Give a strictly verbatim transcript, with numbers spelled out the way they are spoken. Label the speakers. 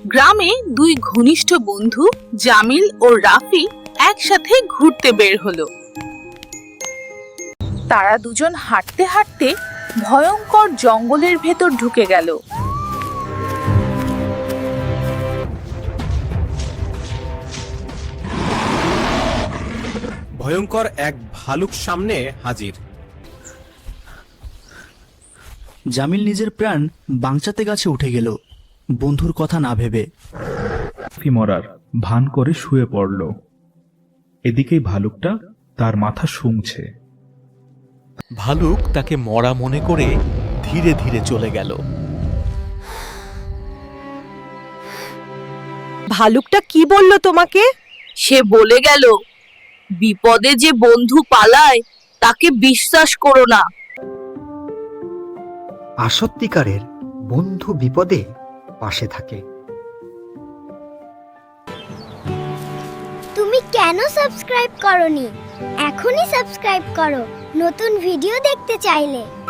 Speaker 1: গ্রামে দুই ঘনিষ্ঠ বন্ধু জামিল ও রাফি একসাথে ঘুরতে বের হলো। তারা দুজন হাঁটতে হাঁটতে ভয়ঙ্কর জঙ্গলের ভেতর ঢুকে গেল।
Speaker 2: ভয়ঙ্কর এক ভালুক সামনে হাজির।
Speaker 3: জামিল নিজের প্রাণ বাঁচাতে গাছে উঠে গেল, বন্ধুর কথা না ভেবে।
Speaker 4: মরার ভান করে শুয়ে পড়ল। এদিকেই ভালুকটা তার মাথা শুংছে।
Speaker 5: ভালুক তাকে মরা মনে করে ধীরে ধীরে চলে গেল।
Speaker 6: ভালুকটা কি বলল তোমাকে?
Speaker 1: সে বলে গেল, বিপদে যে বন্ধু পালায় তাকে বিশ্বাস করো না।
Speaker 7: আসত্তিকারের বন্ধু বিপদে পাশে থাকে।
Speaker 8: তুমি কেন সাবস্ক্রাইব করনি? এখনই সাবস্ক্রাইব করো নতুন ভিডিও দেখতে চাইলে।